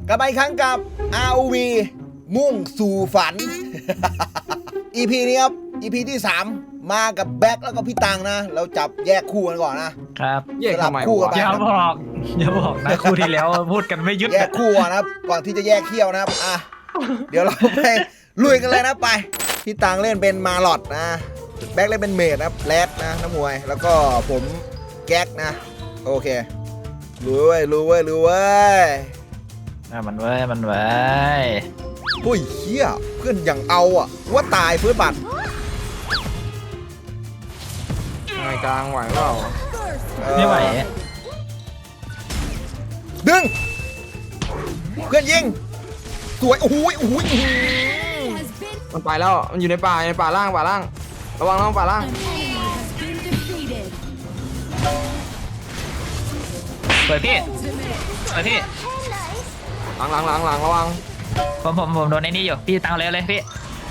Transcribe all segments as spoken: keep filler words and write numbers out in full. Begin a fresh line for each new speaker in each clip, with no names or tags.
กลับมาอีกครั้งกับ อาร์ โอ วี มุ่งสู่ฝัน อี พี นี้ครับ อี พี ที่สามมากับแบ็คแล้วก็พี่ตังนะ เราจับแยกคู่กันก่อนนะครับ
แยกทำไม
คู่กันไป
วะ
อย่าบอกอย่าบอกนะคู่ที่แล้วพูดกันไม่ยุด
แยกคู่ก่อนนะครับ ก่อนที่จะแยกเขี้ยวนะครับอ่ะเดี๋ยวเราไปลุยกันเลยนะไป พี่ตังเล่นเป็นมาลอดนะแบ็คเล่นเป็นเมดนะครับแรดนะน้ำมวย แล้วก็ผมแก๊กนะโอเครู้เว้ยรู้เว้ยรู้เว้ย
อ่ะมันเว้ยมันเว้ย
โอ้ยเฮียเพื่อนอย่างเอาอ่ะว่าตายเพื่อนบัตร
ไงกลางไหวเปล่า
ไม่ไหว
ดึงเพื่อนยิงสวยโอ้โหโอ้โห
มันไปแล้วมันอยู่ในป่าในป่าล่างป่าล่างระวังระวังป่าล่าง
เปิดพี่เปิดพี่
หลังหลังหลังหลังระวัง
ผมผมผมโดนไอ้นี่อยู่พี่ตังเลยเลยพี่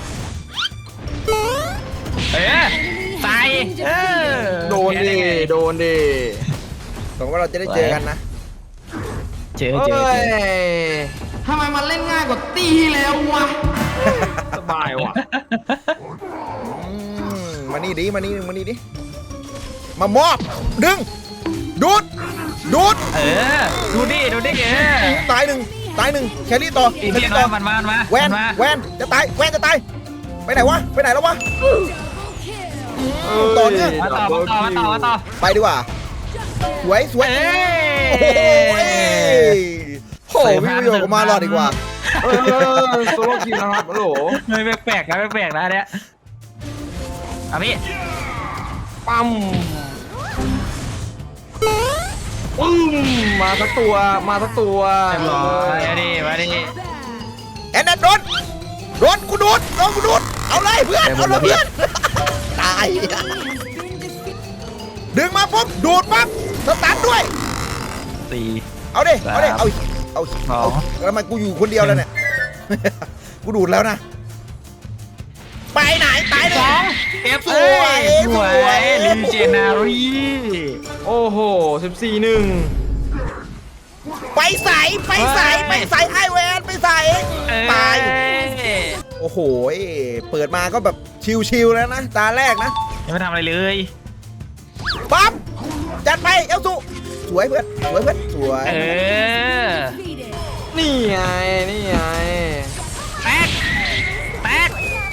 เออใส่เออ
โดนดิโดนดิ
หวังว่าเราจะได้เจอกันนะ
เจอ
เฮ้
เจอเจ
ย
อ
ทำไมมันเล่นง่ายกว่าตีที่แล้ววะสบายว่ะ
อืมมานี่ดิมานี่มานี่ดิมามอบดึงดูดดูด
เออดูดิดูดิเออ
ตายหนึ่งตายหนึ่งแครี่ต่อ
อีก
แค
ที
รี่
นึ
ต่อง
มันมามันมา
แวน
มันมา
แวนจะตายแวนจะตายไปไหนวะไปไหนแล้ววะ ต่อเนื่อง
มาต่อมาต่อมาต่อมาต่อ
ไปดีกว่าสวยสวย
เอ้
โอ้โหเอ้ยโอ้โหพี่ประโยชน์กับมารอดดีกว่า
เออโซโล่คิวนะครับฮัลโหล
ไม่แปลกๆนะไม่แปลกนะอันเนี้ยเอาพี่
ปั๊มปึ้มมาสักตัวมาสักตัว
เรียบร้อยมาดิมาดิ
แอนนันโดนโดนกูดูดโดนกูดูดเอาเลยเพื่อนเอาเลยเพื่อนตายดึงมาปุ๊บดูดปั๊บสตาร์ทด้วย
สี่
เอาดิเอาดิเอาเอา
สอ
เอา
ง
แล้วทำไมกูอยู่คนเดียวแล้วเนี่ย กูดูดแล้วนะไปไหนตายเล
ส
ย
องเอฟ
สวย
สว
สวย
ยลินเจนารี
โอ้โหสิบสี่หนึ่ง
ไปใส่ไปใส่ไปใส่ไอแวนไปใส่ตาย โอ้โหเปิดมาก็แบบชิวๆแล้วนะตาแรกนะ
ยังไม่ทำอะไรเลย
ปั๊บจัดไปเอลซูสวยเพื่อนสวยเพื่อนสวย
เออ
นี่ไงนี่ไง
แตกแตก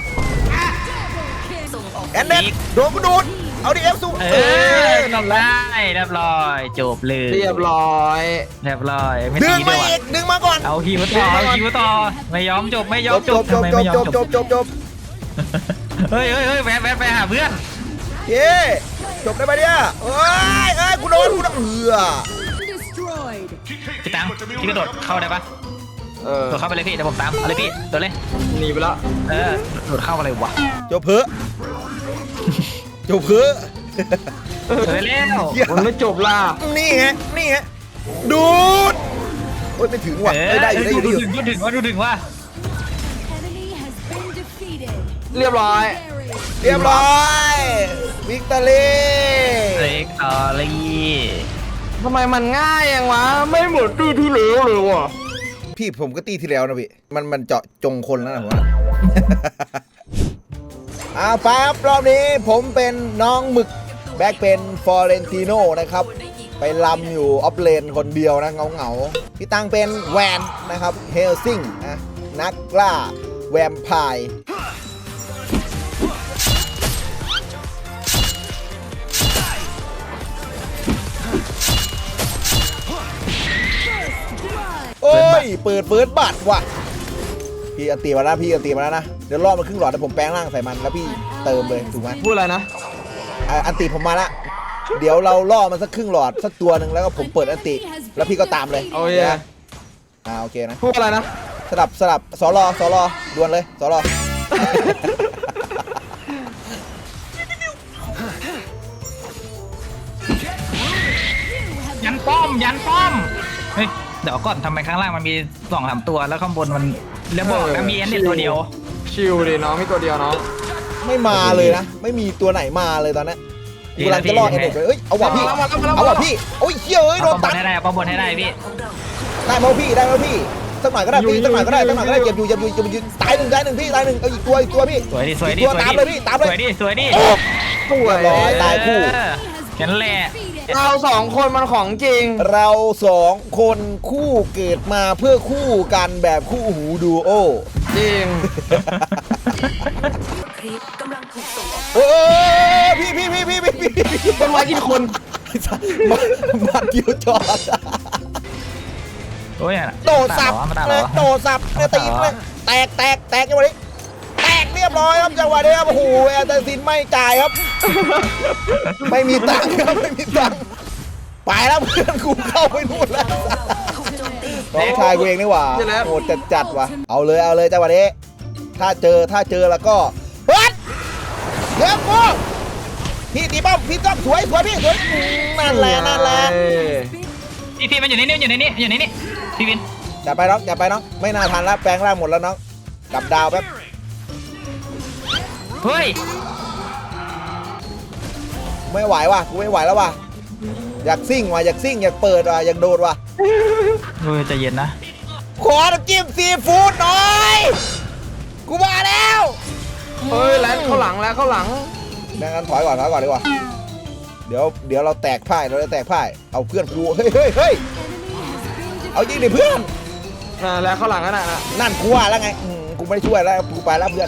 แอนเดนโดนกูดูดเอาดิเอลซู
เอ
เอ
อ
อ
ทำได้เรียบร้อยจบเลย
เรียบร้อย
เรียบร้อยไม่
ดึ
ตี
ง
ด้
มา
วย
อีกดึงมาก่อน
เอาฮิวต่อเอาฮิวต่อไม่ยอมจบไม่ยอ
จ
ม
บ
จ
จ
บบ
จ
ทำ
บ
ไม
จ
ไม่
บ
ยอม
จบ
จ
จ
บบ
จบจบจบ
เฮ้ยเฮ้ยเฮ้ยแวะแวะไปหาเพื่อน
เย้จบได้ปะเนี่ยเอ้ยเอ้ยกูโดนกูโดนเอือ
พี่ตังพี่กระโดดเข้าได้ปะ
เออ
โดดเข้าไปเลยพี่เดี๋ยวผมตามเอาเลยพี่โดดเลย
หนีไปแล้ว
เออโดดเข้าอะไรวะ
จบเพอจบเพอ
เออเร็ว
มันไม่จบล่ะ
นี่ไงนี่ไงดูดโอ้ยไม่ถึงว่ะ
เอ
เอ้ยได้อยู่ได้อยู่
ดู
ได้อยู่
ถึงดูถึงว่าดูถึงว่า
เรียบร้อย
เรียบร้อยวิกตอรี
เล็กตอรี่
ทำไมมันง่ายอย่างวะไม่เหมือนตู้ที่เหลือเลยว่ะ
พี่ผมก็ตีที่แล้วนะพี่มันมันเจาะจงคนแล้วนะผมว่า อ่าไปครับรอบนี้ผมเป็นน้องหมึกแบ็คเป็นฟอร์เรนติโนนะครับไปลำอยู่ออฟเลนคนเดียวนะเงาเงาๆพี่ตังเป็นแวนนะครับเฮลซิงนะนักล่าแวมไพร์โอ้ยเปิดเฟิร์สบัตรว่ะพี่อันตีมาแล้วพี่อันตีมาแล้วนะเดี๋ยวรอบมันครึ่งหลอดแต่ผมแปลงร่างใส่มันแล้วพี่เติมเลยถูกไหม
พูดอะไรนะ
อ่ะอันติผมมาละเดี๋ยวเราล่อมันสักครึ่งหลอดสักตัวหนึ่งแล้วก็ผมเปิดอันติแล้วพี่ก็ตามเลย
โอเค
นะอ่าโอเคนะ
พูดอะไรนะ
สลับสลับสอรอสอรอดวลเลยสอรอ
ยันป้อมยันป้อมเฮ้ยเดี๋ยวก่อนทำไมข้างล่างมันมีสองสามตัวแล้วข้างบนมันแล้วบอกแล้วมีแอนเน็ตตัวเดียว
ชิลดิน้องมีตัวเดียวน้อง
ไม่มาเลยนะไม่มีตัวไหนมาเลยตอนนี้กูกำลังจะล่อเอ็นเอ็ดไปเอ้ยเอาว่ะพี่
มาแล้วมาแล้วมาแล้ว
เอาว่ะพี่โอ้ยเชี่ยเอ้ยโด
เอา
น
ป้อมบ
ตั
น
ด
ให้ได้เอาป้อมบนให้ได้พี่
ได้ไหมวะพี่ได้ไหมวะพี่สักหน่อยก็ได้พี่สักหน่อยก็ได้สักหน่อยก็ได้เจ็บอยู่เจ็บอยู่เจ็บอยู่ตายหนึ่งตายหนึ่งพี่ตายหนึ่งเอาอีกตัวอีกตัวพี่
สวยดิสวยดิ
ตัว
สวย
ตาม
ดิ
เลยพี่ตามเลย
สวยดิสวยดิ
สวย
เรียบร้อยตายคู่
เออแค่นั้นแหละ
เราสองคนมันของจริง
เราสองคนคู่เกิดมาเพื่อคู่กันแบบคู่หูดูโอ
จริง
โอ้พี่พี่พี่พี่พี่พี่
ต้นไม้กินคน
มันมันเดียวจอด
โอ้ย
โดดสับ
มาตาม
เล
เหร
ย
อ
โดดสับเลยตีเลยแตกแตกแตกจังหวะนี้แตกเรียบร้อยครับจังหวะนี้ครับโอ้โหแอนเตอร์ซินไม่จ่ายครับ ไม่มีตังค์ครับไม่มีตังค์ไปแล้วเพื่อนกูเข้าไปนู่นแล้วน้องชายกูเองนี่หว่าโหดจัดจัดๆว่ะเอาเลยเอาเลยจังหวะนี้ถ้าเจอถ้าเจอแล้วก็เฮ้ยเดี๋ยวกูพี่ตีป้อมพี่ต้องสวยสวยพี่สวยนั่นแหละนั่นแหละ
พี่พี่มันอยู่ในนี่อยู่ในนี่อยู่ในนี่พี่วิน
อย่าไปน้องอย่าไปน้องไม่น่าทันแล้วแปลงร่างหมดแล้วน้องกลับดาวแป๊บ
เฮ้ย
ไม่ไหวว่ะกูไม่ไหวแล้วว่ะอยากซิ่งว่ะอยากซิ่งอยากเปิดว่ะอยากโดดว่ะ
เฮ้ยใจเย็นนะ
ขอน้ำจิ้มซีฟู้ดหน่อยกูมาแล้ว
เฮ้ยแล้วเข้าหลังแล้วเข้าหลัง
ดังนั้นถอยก่อนถอยก่อนดีกว่าเดี๋ยวเดี๋ยวเราแตกพ่ายเราจะแตกพ่ายเอาเพื่อนกูเฮ้ยเฮ้ยเฮ้ยเอายิงดิเพื่อน
อ่าแล้วเข้าหลังนั่นน่ะ
นั่นกูว่าแล้วไงอืมกูไม่ได้ช่วยแล้วกูไปแล้วเพื่อน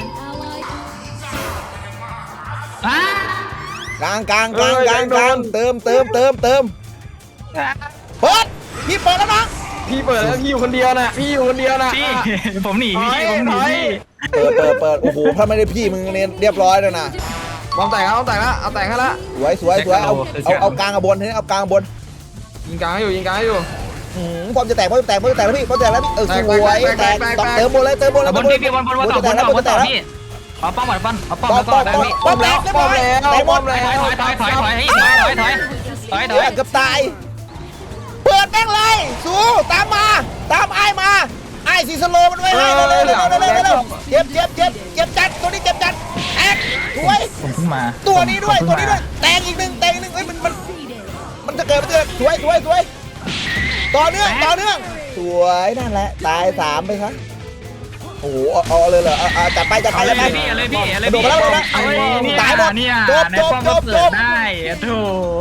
อ้าก
ลางกลางกลางกลางกลางเติมเติมเติมเติมเปิดพี่เปิดแล้วนะ
พี่เปิดแล้วพี่อยู่คนเดียวน่ะพี่อยู่คนเดียวน่ะ
พี่
อ่ะ
ผมหนีพี่
ถอย
ผมหนี
ถอย
พี่
เปิดเปิดเปิดโอ้โหถ้าไม่ได้พี่มึงเนี่ยเรียบร้อยแล้วนะ
บอมแตกแล้วบอมแตกแล้วเอาแตกให้ละ
สวยสวยสวยเอาเอาเอากลางกับบนทีนี้เอากลางกับบน
ยิงกลางให้อยู่ยิงกลางให้อยู่
อืมพร้อมจะแตกพร้อมจะแตกพร้อมจะแตกแล้วพี่พร้อมจะแตกแล้วพี่เออสวย
แตก
แต
แต
ก
กแตก
ต่อ
แตก
เติมบนเลยเติมบนเลย
เอาบนพี่พี่บนบนบนต่อบนต่อบนต่อพี่เอาป้อมก่อนป้อมเอาป้อม
ป้อม
แล้วก็
ป้อม
ได้
ป้อม
พี่
ป้อมแตกเรียบร้อยแตกหม
ป้อ
ด
มแล้ว
ถอยถอยถอยถอยถอยถอยถอยถอยถอยถอย
เกือบตายเปิดแม่งเลยสู้ตามมาตามไอ้มาไอ้สีสโลมันไว้ให้เร็วเร็วเร็วเร็วเร็วเร็วเจ็บเจ็บเจ็บเจ็บจัดตัวนี้เจ็บจัดแตกสวย
ผมเพิ่งมา
ตัวนี้ด้วย
ผม
ตัว
เพิ่ง
นี้ด้วยแตกอีกหนึ่งแตกอีกหนึ่งเฮ้ยมันมันมันจะเกิดมันจะเกิดสวยสวยสวยต่อเนื่องต่อเนื่องสวยนั่นแหละตายสามไปครับโอ้โหเอาเอาเลยเหรอเอาเอาจัดไปจัดไป
เอาเล
จั
ย
ดไป
พี่เอาเลยพี่เอาเลย
โด
พี่
ดมาแล้วโดดมา
เอาเลยเนี่ย
ตายหมด
เนี่ย
จบ
ใน
จบ
ป้อม
จ
ก็
บ
เปิ
จ
ด
บ
ได้โถ่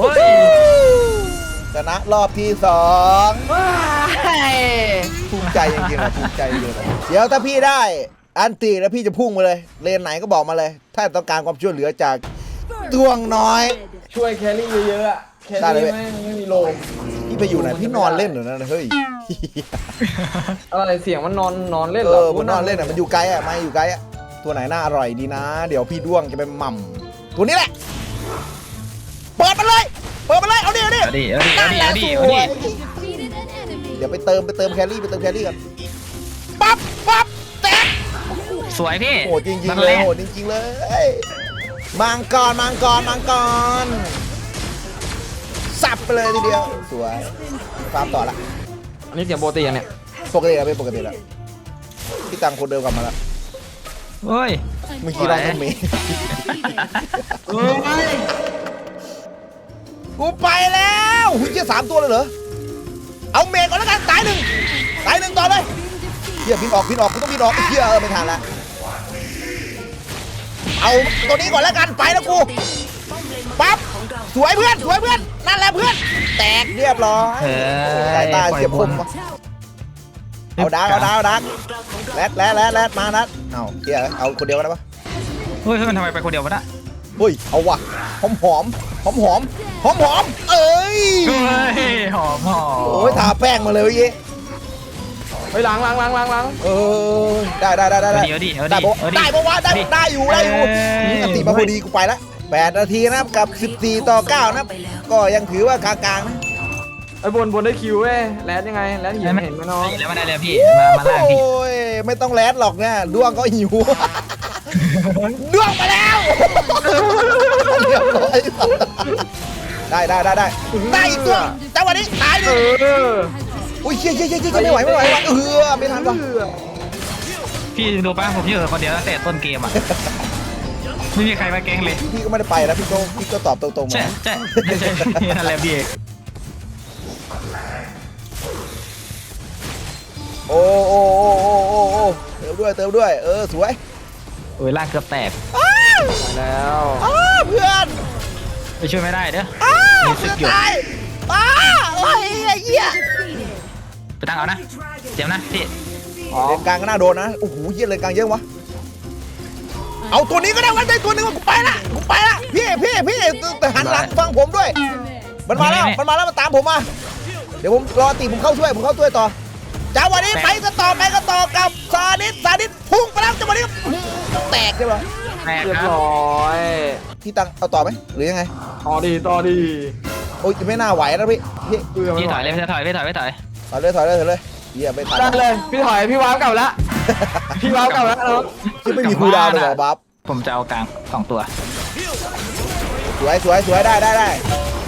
ชนะรอบที่สอง
ว้าย
ภูมิใจจริงๆนะภูมิใจจริงๆเดี๋ยวถ้าพี่ได้อันตีแล้วพี่จะพุ่งมาเลยเลนไหนก็บอกมาเลย ถ้าต้องการความช่วยเหลือจากดวงน้อย
ช่วยแครี่เยอะๆอะแค
ได้เลย
รี่ไม่ไม่มีโลม
พี่ไปอยู่ไหนพี่นอนเล่นเหรอนะเฮ้ย
อะไรเสียงมันนอนนอนเล่น
เอ
เหรอ
อมันนอนเล่นอ่ะมันอยู่ไกลอ่ะไม่อยู่ไกลอ่ะตัวไหนน่าอร่อยดีนะ เดี๋ยวพี่ด้วงจะไปหม่ำตัวนี้แหละเปิดมาเลยเปิดมาเลยเอาดิเอาดิ
เอาดิเอาดิเอาดิเอาดิเอาดิ
เดี๋ยวไปเติมไปเติมแครี่ไปเติมแครี่กันปั๊บปั๊บแตะ
สวยพี่
โหดจริง
นั่
ๆ
น
เล
แห
ย
ละ
โหดจริงๆเลยมังกรมังกรมังกรสับไปเลยทีเดียวสวยฟาร์มต่อละ
อันนี้เสียงโปรตีนเนี่ย
ปกติแล้วเป็นปกติแล้วพี่ตังคนเดิมกลับมาแล้ว
เฮ้ย
เมื่อกี้เราเป็นเมย์
เฮ้ย
กูไปแล้วหุ่นเจี๊ยสามตัวเลยเหรอเอาเมย์ก่อนแล้วกันตายหนึ่งตายหนึ่งต่อเลยเฮียพินออกพินออกกูต้องพินออกเฮียเออไม่ทันละเอาตัวนี้ก่อนแล้วกันไปแล้วกูปั๊บสวยเพื่อนสวยเพื่อนนั่นแหละเพื่อนแตกเรียบร้อย
เฮ้ย
สายตาเฉียบคมวะเอาดักเอาดักเอาดักแรดแรดแรดแรดมานัดเอาเฮียเอาคนเดียวกันได้ปะ
เฮ้ยมันทำไมไปคนเดียววะน่ะ
เฮ้ยเอาว่ะหอมหอมหอมหอมหอมหอมเอ้ย
เฮ้ยหอมหอม
โอ้ยทาแป้งมาเลยเมื่อกี้
ไปหลังหลังหลังหลังหลัง
เออได้ได้ได้ได้
เอา
ได้
ดิเอาดิเอา
ได้
ดิ
ปะ
เอาดิ
ได้ปะวะได้ได้อยู่ได้อยู่
เอ้ย
อันติมาพอดีกูไปละแปดนาทีนะครับกับสิบสี่ต่อเก้านะครับก็ยังถือว่ากลางๆนะ
ไอ้บนบนได้คิวเว้ยแลนยังไงแลนเห็นเห็นไหมน้อง
แล้วมาได้เลยพี่มามาล่างพี่
โอ้ยไม่ต้องแลดหรอกเนี่ยดวงก็หิว ดวงมาแล้วเรียบร้อยได้ได้ได้ได้ได้อีกตัวจังหวะนี้ตายดิ
เออ
อุ้ยเชี่ยเชี่ยเชี่ยเชี่ยไม่ไหวไม่ไหวว่ะเออไม่ทันว่ะ
พี่ดูป่ะผมอยู่คนเดียวตั้งแต่ต้นเกมอ่ะไม่มีใครมาแกล้งเลย
พี่ก็ไม่ได้ไปนะพี่ก็พี่ก็ตอบตรงๆ
ใช่
มา
ใช่ใช่นั่นแหละพี่
โอ้โอ้โอ้โอ้โอ้โอ้เติมด้วยเติมด้วยเออสวย
โอ้ยล่างเกือบแตก
อ้าว
ไปแล้ว
อ้าวเพื่อน
ไปช่วยไม่ได้เด้อ
อ้าว
มีสึ
เพื่
ก
อน
อยู่
ตายอ้าวโอ้ยไอ้เหี้ย
ไปตั้งเอานะเจ็บนะพี่
อ๋อ
เลนกลางก็น่าโดนนะโอ้โหเหี้ยเลนกลางเยอะวะเอาตัวนี้ก็ได้วันใจตัวหนึงกูไปละกูไปละพี่พี่พี่แต่หันหลังฟังผมด้วย มันมาแล้วมันมาแล้วมันตามผมมาเดี๋ยวผมรอตีผมเข้าช่วยผมเข้าช่วยต่อจังหวะนี้ไปกันต่อไปกันต่อกับซาดิสซาดิสพุ่งไปแล้วจังหวะนี้แตกใช่ไหม
แตก
เรียบ
ครับ
ร้อย
พี่ตังเอาต่อไหมหรือยังไง
ต่อดีต่อดี
โอ้ยไม่น่าไหวนะพี่พี่
เพื่อ
พี่ถอยเลยพี่ถอยพี่ถอยพี่ถอย
ถอยเลยถอยเลยถอยเลยเหี้ยไม่ทัน
ได้เลยพี่ถอยพี่ว้าวกลับแล้วพี่ว้าวกลับแล้วเออ
ที่ไม่มีคูลดาวน์เลยเหรอบัฟ
ผมจะเอากลางสองตัว
สวยสวยสวยได้ได้ได้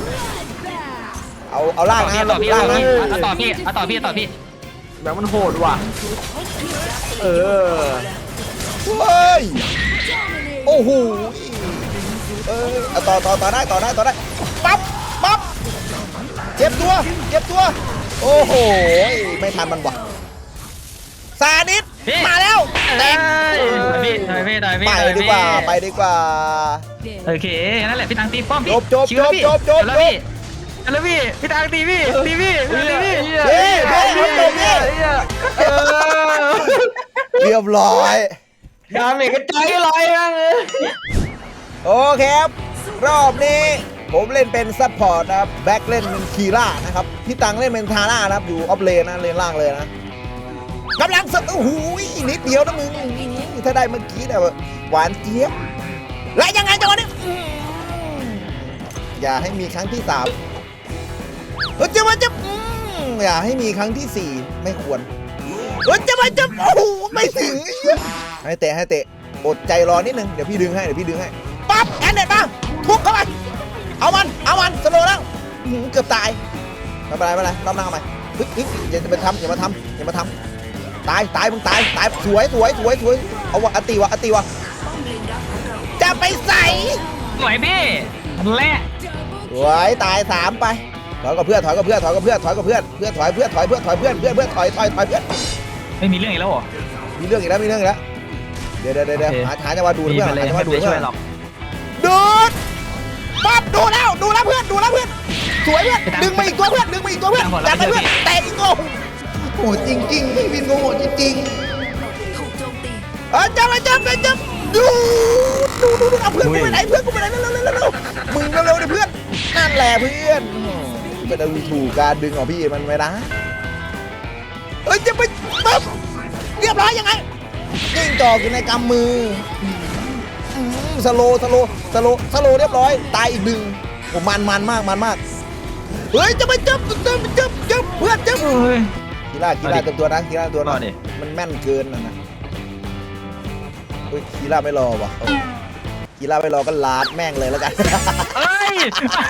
เอาเอาล่าง
ต่อ
นะ
พี่ต่อพี่
ล่าง
ต่อ
นะ
พี่เอาต่อพี่เอาต่อพี่ต่อพี่
แบบมันโหดว่ะเออ
เฮ้ยโอ้โหเออเอาต่อต่อต่อได้ต่อได้ต่อได้ปั๊บปั๊บเจ็บตัวเจ็บตัวโอ้โหไม่ทันมันว่ะซาดิสมาแล้วแตก
ต่อยพี่ต่อยพี่ต่อยพี่
ไป
ต่อย
ดี
พี่
กว่าไปดีกว่า
โอเคนั่นแหละพี่ตังตีป้อมพี่
จบจบ
ชิวแล้วพี่
จบจบจบ
แล้วพี่แล้วพี่พี่ตังตีพี่ตีพี่ตีพี่
เฮ้ยเฮ้ยเฮ้ยเฮ้ยเออ
เรียบร้อย
ดาเมจกระจายลอยมั้งเออ
โอเคครับรอบนี้ผมเล่นเป็นซัพพอร์ตนะครับแบ็คเล่นเป็นคีร่านะครับพี่ตังเล่นเป็นทาร่านะครับอยู่ออฟเลนนะเลนล่างเลยนะกำลังสโอ้โหนิดเดียวนะมึงถ้าได้เมื่อกี้เนี่ยหวานเจี๊ยบและยังไงจังหวะนี้อืมอย่าให้มีครั้งที่สามเออจะมาจะอืมอย่าให้มีครั้งที่สี่ไม่ควรเออจะมาจะโอ้โหไม่ถึงให้เตะให้เตะอดใจรอนิดนึงเดี๋ยวพี่ดึงให้เดี๋ยวพี่ดึงให้ปั๊บแอนเด็ดมาทุบเข้าไปเอามันเอามันสโลว์แล้วอื้อหือเกือบตายไม่เป็นไรไม่เป็นไรรอบหน้าเอาใหม่เฮ้ยเฮ้ยอย่าจะไปทำอย่ามาทำอย่ามาทำตายตายมึงตายตายสวยสวยสวยสวยเอาวะอติวะอติวะจะไปใส่
สวยพี่แหละ
สวยตายสามไปถอยกับเพื่อนถอยกับเพื่อนถอยกับเพื่อนถอยกับเพื่อนเพื่อนถอยเพื่อนถอยเพื่อนถอยเพื่อนเพื่อนเพื่อนถอยถอยถอยเพื่อน
ไม่มีเรื่องอีกแล้วเหรอ
มีเรื่องอีกแล้วมีเรื่องอีกแล้วเดี๋ยวเดี๋ยวเดี๋ยวหาหาจังหวะดู
มี
เพื่อน
ไปเลย
หาจังห
ไม่
วะดู
ไปช่
เพื่
ว
อย น
หรอก
ดูดปั๊บดูแล้วดูแล้วเพื่อนดูแล้วเพื่อนสวยเพื่อนดึงมาอีกตัวเพื่อนดึงมาอีกตัวเพื่อนจัดไปเพื่อนแตกอีกตัวโอ้จริงจริงพี่วินโง่จริงจริงเออจับไปจับไปจับดูดูดูดูเอาเพื่อนกูไปไหนเพื่อนกูไปไหนเร็วเร็วเร็วเร็วมึงเร็วเร็วดิเพื่อนนั่นแหละเพื่อนเป็นดูถูกการดึงของพี่มันไม่ได้เอ้ยจะไปปั๊บเรียบร้อยยังไงยิงจอกอยู่ในกำมือสโลสโลสโลสโลเรียบร้อยตายอีกหนึ่งผมมันมันมากมันมากเฮ้ยจะไปจับจับจับจับเพื่อนจับ
เฮ้ย
กีฬากีฬาเต็มตัวนะกีฬาเต็มตัว
ร
นะ
อดิ
มันแม่นเกินนะนะเฮ้ยกีฬาไม่รอว่ะเอากีฬาไม่รอก็ลาดแม่งเลยแล้วกัน
เอ้ย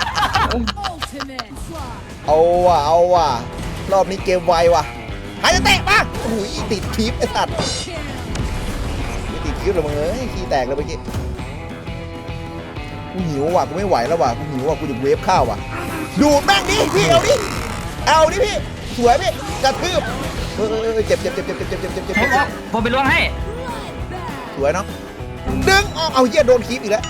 เอาว่ะเอาว่ะรอบนี้เกมไวว่ะหายจะเตะมาโอ้ยติดคลิปไอ้สัตว์ไม่ติดคลิปเลยมึงเอ้ยขี้แตกเลยเมื่อกี้กูหิวว่ะกูไม่ไหวแล้วว่ะกูหิวว่ะกูจะเวฟข้าวว่ะดูดแม่งดิพี่เอาดิเอาดิพี่สวยพี่กระทืบเออเออเจ็บเจ็บเจ็บเจ็บเจ็บเจ็บเจ็บเจ็บเจ็บ
ผมเอาผมไปล้วงให้
สวยเนาะดึงออกเอาเหี้ยโดนคลิปอีกแล้ว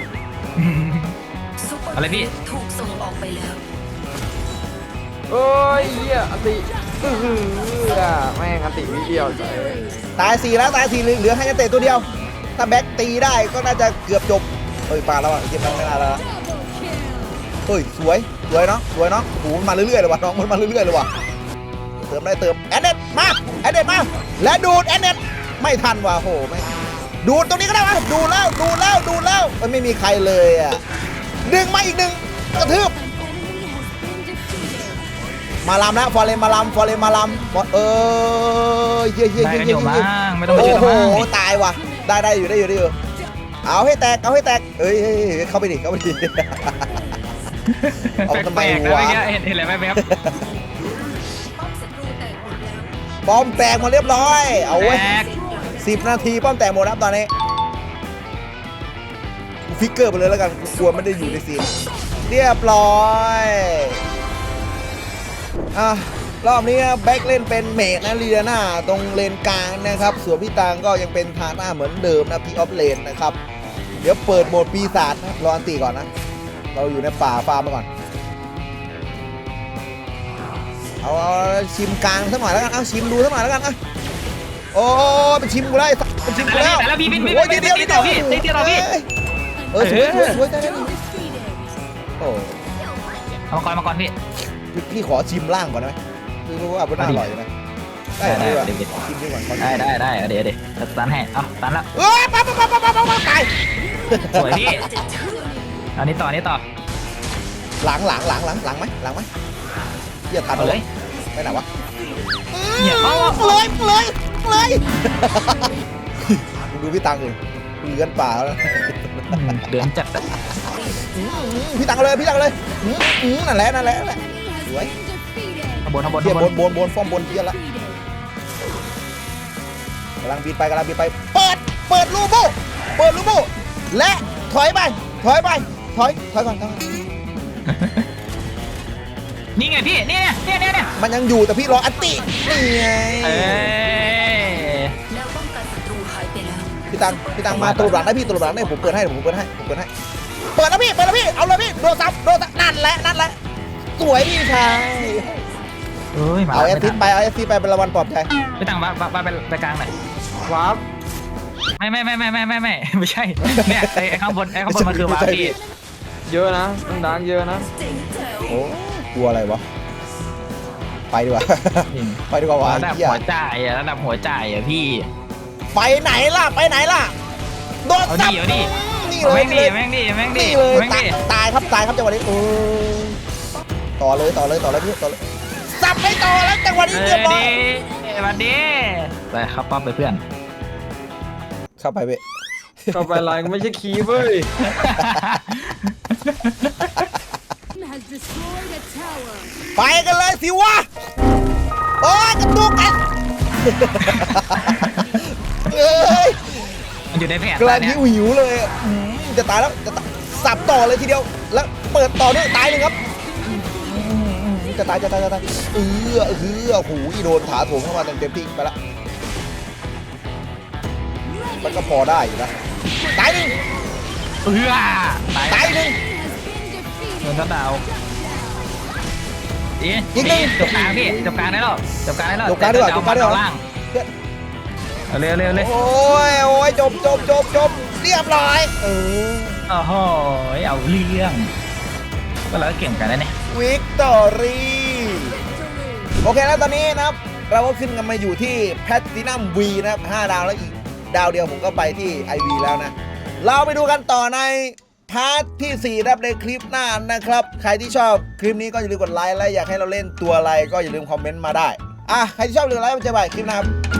อะไรพี่
ถูกส่งออกไปแล้ว
โอ้ยเหี้ยอติอื้อหือแม่งอติวิเดียวเลย
ตายสี่แล้วตายสี่เหลือเหลือให้นักเตะตัวเดียว ถ้าแบ็คตีได้ก็น่าจะเกือบจบเฮ้ยปาแล้วอ่ะเกมมันไม่น่าแล้วนะเฮ้ยสวยสวยเนาะสวยเนาะโอ้โหมันมาเรื่อยๆเลยว่ะน้องมันมาเรื่อยๆเลยว่ะเติมได้เติมแอนเน็ตมาแอนเน็ตมาและดูดแอนเน็ตไม่ทันว่ะโหไม่ดูดตรงนี้ก็ได้วะดูดแล้วดูดแล้วดูดแล้วมันไม่มีใครเลยอ่ะดึงมาอีกหนึ่งกระทืบมาลำแล้วฟอร์เรนมาลำฟอร์เรนมาลำเออเยี่ยเยี่ย
ได้
เยี่ย
กันอ
เยี่ย
ยู่
เยี่
มั้
ย
งไม่ต้องไปช่วย
โอ้
แล้ว
โห
มั้ง
ตายว่ะได้ได้อยู่ได้อยู่ได้อยู่เอาให้แตกเอาให้แตกเอ้ยเฮ้ยเฮ้ยเข้าไปดิเข้าไปดิ เอาทำไม
แปลกๆนะ
วะ
เมื่อกี้เห็นเห็นอะไรไหมครับ
ป้อมแตกหมาเรียบร้อย เอาไว้
แตก
สิบนาทีป้อมแตกหมดครับตอนนี้กูฟิกเกอร์ไปเลยแล้วกันกูกลัวไม่ได้อยู่ในซีนเรียบร้อยอ่ะรอบนี้แบ็คเล่นเป็นเมจนะลีเดน่าตรงเลนกลางนะครับส่วนพี่ตังก็ยังเป็นทาน่าเหมือนเดิมนะพีออฟเลนนะครับเดี๋ยวเปิดโหมดปีศาจนะรออันตีก่อนนะเราอยู่ในป่าฟาร์มมาก่อนเอาเอาชิมกลางสักหน่อยแล้วกันเอาชิมดูสักหน่อยแล้วกันนะโอ้เป็นชิมกูได้เป็นชิมกูแล้ว
แต่แล้วพี่พี่พี่
โอ้ยเดียว
พี่
เดียว
พี่พี่พี่พี่
เออสวยสวยสวยได้ได้ดีโอ้
เอามาก่อนมาก่อนพี่
พี่ขอชิมล่างก่อนได้ไหมคือว่าเป็นน่าอร่อยนะได้ดีกว่าชิมดีกว่า
ได้ได้ได้เดี๋ยวเดี๋ยวตันให้เอาตันแล้ว
เอ้ยปั๊บปั๊บปั๊บปั๊บปั๊บตาย
สวยพี่อันนี้ต่อนี้ต่อ
หลังหลังหลังหลังหลังไหมหลังไหมเหี้ยทัน
เอาเลย
ไปไหนวะ
เนี่ยเอา
เลยเลยเลยดูพี่ตังเลยเลื้อนป่าแล้ว
เดือนจัด
พี่ตังเลยพี่ตังเลยนั่นแหละนั่นแหละนั่นแหละสวย
ข้างบนข้างบน
เทีย
ข้าง
บบ น
น
บนบนฟ้อมบนเทียละกำลังบินไปกำลังบินไปเปิดเปิดลูโบเปิดลูโบและถอยไปถอยไปถอยถอยก่อนถอย
นี่ไงพี่นี่เนี่ยเนี่ยเนี่ย
มันยังอยู่แต่พี่รออัตตินี่ไง
เอ้ย
แล้วป้องกันศัตรูหายไปแล้ว
พี่ตังพี่ตังมาตลบหลังได้พี่ตลบหลังได้ผมเปิดให้ผมเปิดให้ผมเปิดให้เปิดแล้วพี่เปิดแล้วพี่เอาเลยพี่โดนซับโดนซับนั่นแหละนั่นแหละสวยพี่ชาย
เอ้ยมา
เอาเอฟซีไปเอาเอฟซีไปเป็นรางวัลปลอบใจ
พี่ตังมามาไปไปกลางหน่อย
วาร์ป
ไม่ไม่ไม่ไม่ไม่ไม่ไม่ไม่ใช่เนี่ยไอ้ข้างบนไอ้ข้างบนมันคือวาร์ปพี่
เยอะนะดังเยอะนะ
โอ้กลัวอะไรวะไปดีกว่า ไปดีกว่าวะ
ระดับ
เหี้ย
หัวใจอ่ะระดับหัวใจอ่ะพี่
ไปไหนล่ะไปไหนล่ะโดน
เอา
ซับ
ดิเอาดิ
นี่
เอา
เลย
แม่ง
นี่
ดิ
เลย
แม่งดิแม่งดิ
นี่เลย
แม่ง
ตา
ดิ
ยตายครับตายครับจังหวะนี้โอ้ต่อเลยต่อเลยต่อเลยพี่ต่อเลยซับไม่ต่อแล้วจังหวะนี้
เอ
เรีย
อบ
ร้อย
ดิมาดิไปเข้าป้อมไปเพื่อน
เข้าไปเว้ย
เข้าไปไลน์ก็ไม่ใช่คีย์เว้ย
has destroyed a tower
ไปกันเลยสิวะโอ้ยกระตุกกัน เอ้ย
มันอยู่ในแผน
กำลัง
เนี่
หิ
ยว
หิวเลยอ่ะอืมจะตายแล้วจะตายสับต่อเลยทีเดียวแล้วเปิดต่อด้วยตายหนึ่งครับอืมจะตายจะตายจะตายเออเออหูยโดนถาโถมเข้ามาเต็มเต็มที่ไปละมันก็พอได้อยู่นะตายหนึ่ง
เออตาย
ตายหนึ่ง
เงินก็ดาวอี
อีกหนึ่ง
จบกลางพี่จบกลางได้หรอจบกลางได้หรอ
จบกลางดีกว่าจบกลางดีกว่า
ล่างเอาเร็วเร็วเร็ว
โอ้ยโอ้ยจบจบจบจบเรียบร้อยเออ
โอ้โหเอาเรื่องก็เราก็เก่งกันแล้วเนี่ย
วิกตอรี่โอเคแล้วตอนนี้นะครับเราก็ขึ้นกันมาอยู่ที่แพลตินัมวีนะครับห้าดาวแล้วอีกดาวเดียวผมก็ไปที่ ไอ วี แล้วนะ เราไปดูกันต่อในพาร์ทที่สี่นะครับในคลิปหน้านะครับ ใครที่ชอบคลิปนี้ก็อย่าลืมกดไลค์และอยากให้เราเล่นตัวอะไรก็อย่าลืมคอมเมนต์มาได้อ่ะใครที่ชอบหรือไลค์มันจะไปคลิปหน้าครับ